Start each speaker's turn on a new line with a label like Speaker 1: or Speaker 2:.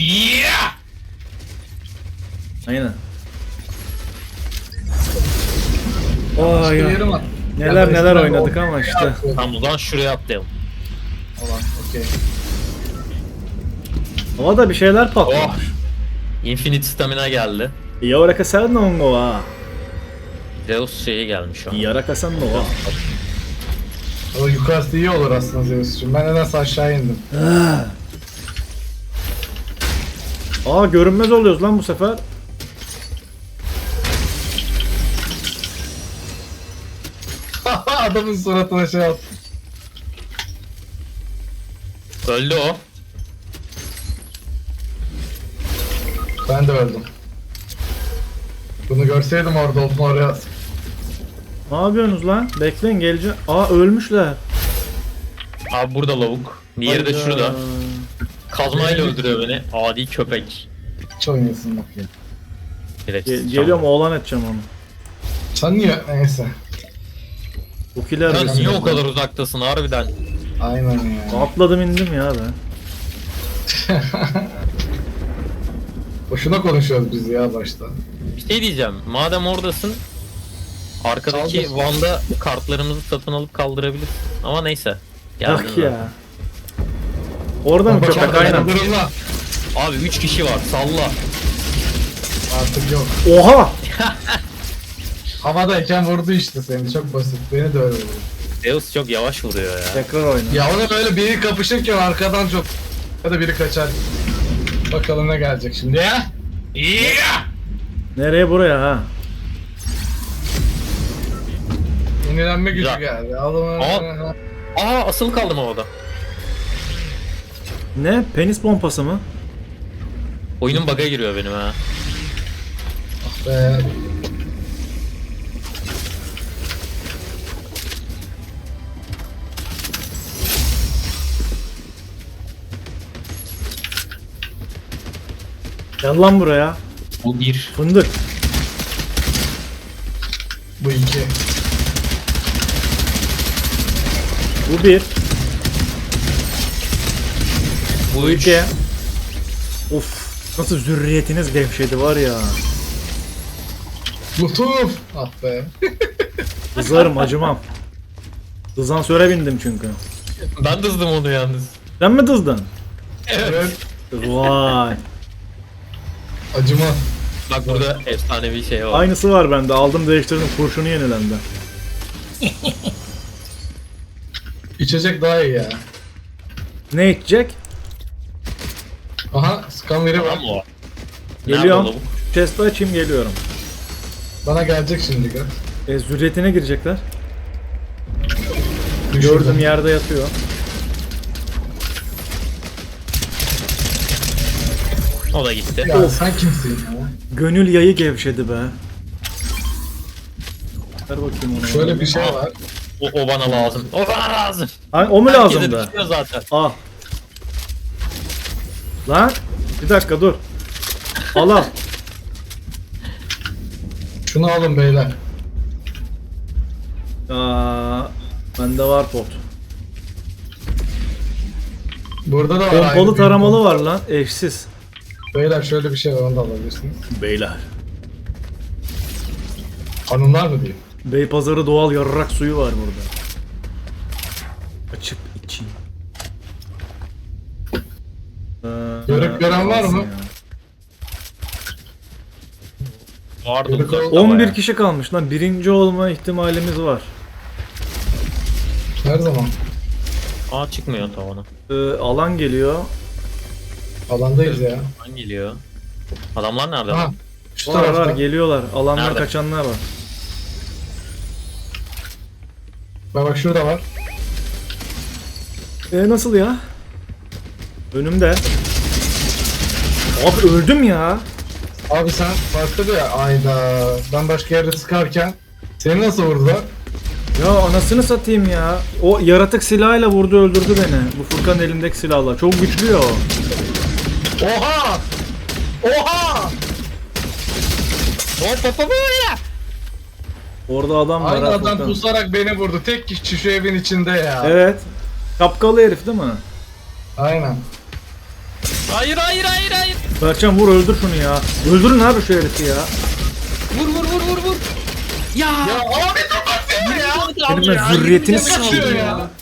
Speaker 1: Yeah!
Speaker 2: Aynen. Ay ya.
Speaker 3: Yerim var.
Speaker 2: Neler neler
Speaker 3: eskiden
Speaker 2: oynadık
Speaker 3: o-
Speaker 2: ama işte.
Speaker 1: Tamam, buradan şuraya atlayalım.
Speaker 3: Ulan okey.
Speaker 2: Havada bir şeyler patlamış.
Speaker 1: Oh! Infinite stamina geldi.
Speaker 2: Yarakasan no wa.
Speaker 1: Zeus şeyi gelmiş şu an.
Speaker 2: Yarakasan no wa.
Speaker 3: O yukarısı iyi olur aslında Zeus'cum. Ben nedense aşağı indim.
Speaker 2: Aa görünmez oluyoruz lan bu sefer.
Speaker 3: Adamın suratına şey attı.
Speaker 1: Öldü o.
Speaker 3: Ben de öldüm. Bunu görseydim orada oldum oraya.
Speaker 2: Ne yapıyorsunuz lan? Bekleyin geleceğim. Aa ölmüşler.
Speaker 1: Abi burada lavuk. Diğeri de
Speaker 2: Hayda.
Speaker 1: şurada. Kazmayla öldürüyor beni. Adi köpek.
Speaker 3: Hiç oynasın bak ya.
Speaker 1: Direkt
Speaker 2: Geliyorum oğlan edeceğim onu.
Speaker 3: Sen niye? Neyse.
Speaker 2: Bu kiler
Speaker 1: Sen
Speaker 2: desin.
Speaker 1: niye o kadar uzaktasın harbiden?
Speaker 3: Aynen ya.
Speaker 2: Atladım indim ya ben.
Speaker 3: Boşuna konuşuyoruz biz ya başta.
Speaker 1: Bir şey diyeceğim. Madem oradasın, arkadaki
Speaker 3: Kaldır.
Speaker 1: Van'da kartlarımızı satın alıp kaldırabilirsin. Ama neyse.
Speaker 2: Bak
Speaker 1: Geldin
Speaker 2: ya. Orada mı
Speaker 3: Bak,
Speaker 2: köpek
Speaker 3: bak,
Speaker 2: aynen.
Speaker 3: durumla.
Speaker 1: Abi 3 kişi var, salla.
Speaker 3: Artık yok.
Speaker 2: Oha!
Speaker 3: Havadayken vurdu işte seni. Çok basit. Beni de öyle vurdu.
Speaker 1: Zeus çok yavaş vuruyor ya.
Speaker 2: Tekrar oyna.
Speaker 3: Ya ona böyle biri kapışırken arkadan çok... Ya da biri kaçar. Bakalım ne gelecek şimdi ya?
Speaker 1: Yeah!
Speaker 2: Nereye buraya ha?
Speaker 3: Yenilenme gücü
Speaker 1: Güzel.
Speaker 3: geldi. Alın.
Speaker 1: Aa, asılı kaldım havada.
Speaker 2: Ne? Penis pompası mı?
Speaker 1: Oyunun bug'a giriyor benim ha.
Speaker 3: Be.
Speaker 2: Gel lan buraya.
Speaker 1: Bu bir.
Speaker 2: Fındık.
Speaker 3: Bu iki.
Speaker 2: Bu bir.
Speaker 1: Bu
Speaker 2: Bu
Speaker 1: üç.
Speaker 2: iki. Of. Nasıl zürriyetiniz gevşedi var ya.
Speaker 3: Lütuf. Ah be.
Speaker 2: Kızarım acımam. Hızlansöre bindim çünkü.
Speaker 1: Ben dızdım onu yalnız.
Speaker 2: Sen mi dızdın?
Speaker 3: Evet.
Speaker 2: Vay.
Speaker 3: Acıma.
Speaker 1: Bak burada efsanevi şey var.
Speaker 2: Aynısı var bende. Aldım değiştirdim. Kurşunu yenilendi.
Speaker 3: İçecek daha iyi ya.
Speaker 2: Ne içecek?
Speaker 3: Aha skanveri var.
Speaker 1: Tamam o.
Speaker 2: Geliyorum.
Speaker 1: Nerede o lavuk?
Speaker 2: Chest'i açayım geliyorum.
Speaker 3: Bana gelecek şimdi gör.
Speaker 2: Zürriyetine girecekler.
Speaker 3: Düşürdüm.
Speaker 2: Gördüm yerde yatıyor.
Speaker 1: O da gitti.
Speaker 3: Ya sen kimsin ya?
Speaker 2: Gönül yayı gevşedi be. Ver bakayım onu.
Speaker 3: Şöyle bir şey var.
Speaker 1: O bana lazım. O bana lazım.
Speaker 2: Ay, o mu
Speaker 1: Herkese
Speaker 2: lazımdı?
Speaker 1: düşüyor zaten.
Speaker 2: Al. Lan bir dakika dur. Al al.
Speaker 3: Şunu alın beyler.
Speaker 2: Aa, bende var pot.
Speaker 3: Burada da var.
Speaker 2: Pompalı
Speaker 3: aynı
Speaker 2: taramalı
Speaker 3: büyük
Speaker 2: var lan. Eşsiz.
Speaker 3: pompa. Beyler şöyle bir şey var onu da alabilirsiniz.
Speaker 2: Beyler.
Speaker 3: Hanımlar mı diyeyim?
Speaker 2: Beypazarı doğal yarrak suyu var burada. Açıp içeyim.
Speaker 3: Görüp gören var mı?
Speaker 1: Vardı
Speaker 3: Yürü
Speaker 1: uzakta
Speaker 3: kal-
Speaker 2: 11
Speaker 1: bayağı.
Speaker 2: kişi kalmış lan. Birinci olma ihtimalimiz var.
Speaker 3: Her zaman.
Speaker 1: Aa, çıkmıyor tavana.
Speaker 2: Alan geliyor.
Speaker 3: Alandayız ya.
Speaker 1: Alan geliyor. Adamlar nerede?
Speaker 3: Ha.
Speaker 1: lan?
Speaker 3: Şu
Speaker 2: Var
Speaker 3: tarafta.
Speaker 2: geliyorlar. Alandan
Speaker 1: Nerede?
Speaker 2: kaçanlar var.
Speaker 3: Bak şurada var.
Speaker 2: Nasıl ya? Önümde. Abi öldüm ya.
Speaker 3: Abi sen başka bir ayda ben başka yerde sıkarken seni nasıl vurdular?
Speaker 2: Ya anasını satayım ya. O yaratık silahıyla vurdu öldürdü beni. Bu Furkan'ın elindeki silahla. Çok güçlü ya o.
Speaker 3: Oha! Oha!
Speaker 1: Hop hop hop ya.
Speaker 2: Orada adam var
Speaker 3: Aynı
Speaker 2: ha
Speaker 3: adam
Speaker 2: Furkan.
Speaker 3: pusarak beni vurdu. Tek kişi şu evin içinde ya.
Speaker 2: Evet. Kapkalı herif değil mi?
Speaker 3: Aynen.
Speaker 1: Hayır hayır hayır hayır.
Speaker 2: Berkcan vur öldür şunu ya. Öldürün abi şu herifi ya.
Speaker 1: Vur vur vur vur vur. Ya.
Speaker 3: Ya abi dur bak ya.
Speaker 2: Senin ben zürriyetini
Speaker 3: Kaçıyor ya.